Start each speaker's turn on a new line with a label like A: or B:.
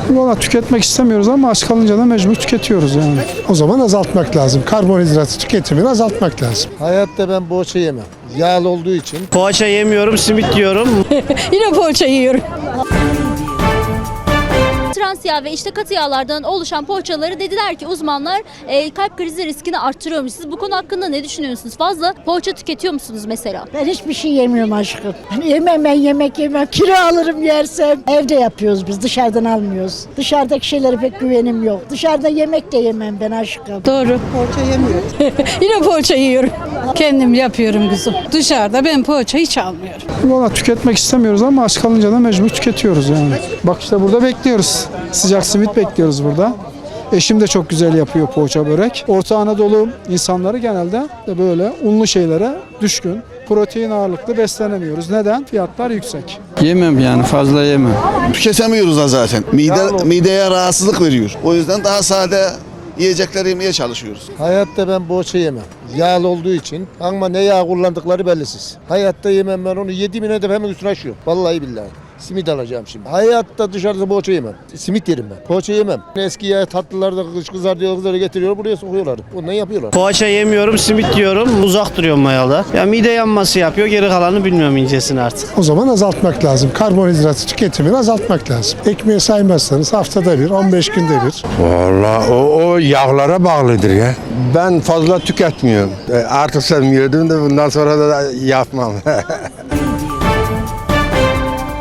A: Valla tüketmek istemiyoruz ama aç kalınca da mecbur tüketiyoruz yani.
B: O zaman azaltmak lazım. Karbonhidrat tüketimini azaltmak lazım.
C: Hayatta ben poğaça yemem. Yağlı olduğu için.
D: Poğaça yemiyorum, simit yiyorum.
E: Yine poğaça yiyorum.
F: Trans yağ ve işte katı yağlardan oluşan poğaçaları dediler ki uzmanlar kalp krizi riskini arttırıyormuş. Siz bu konu hakkında ne düşünüyorsunuz? Fazla poğaça tüketiyor musunuz mesela?
E: Ben hiçbir şey yemiyorum aşkım. Yemem, ben yemek yemem. Kilo alırım yersem. Evde yapıyoruz biz, dışarıdan almıyoruz. Dışarıdaki şeylere pek güvenim yok. Dışarıda yemek de yemem ben aşkım.
G: Doğru. Poğaça yemiyorum.
E: Yine poğaça yiyorum.
G: Kendim yapıyorum kızım. Dışarıda ben poğaça hiç almıyorum.
A: Valla tüketmek istemiyoruz ama aç kalınca da mecbur tüketiyoruz yani. Bak işte burada bekliyoruz. Sıcak simit bekliyoruz burada. Eşim de çok güzel yapıyor poğaça börek. Orta Anadolu insanları genelde de böyle unlu şeylere düşkün. Protein ağırlıklı beslenemiyoruz. Neden? Fiyatlar yüksek.
H: Yemem yani, fazla yemem.
I: Tüketemiyoruz da zaten. Mideye rahatsızlık veriyor. O yüzden daha sade yiyecekler yemeye çalışıyoruz.
C: Hayatta ben poğaça yemem. Yağlı olduğu için. Ama ne yağ kullandıkları bellisiz. Hayatta yemem ben onu. Yediğim de hemen üstüne açıyorum. Vallahi billahi. Simit alacağım şimdi. Hayatta dışarıda poğaça yemem. Simit yerim ben. Poğaça yemem. Eski yağ tatlılarda kızar diyor, kızları getiriyor, buraya sokuyorlar. Ondan yapıyorlar.
D: Poğaça yemiyorum, simit yiyorum. Uzak duruyorum mayalı. Ya mide yanması yapıyor, geri kalanı bilmiyorum incesini artık.
B: O zaman azaltmak lazım. Karbonhidrat tüketimini azaltmak lazım. Ekmeği saymazsanız haftada bir, 15 günde bir.
J: Vallahi o yağlara bağlıdır ya. Ben fazla tüketmiyorum. Artık sevmiyordum da bundan sonra da yapmam.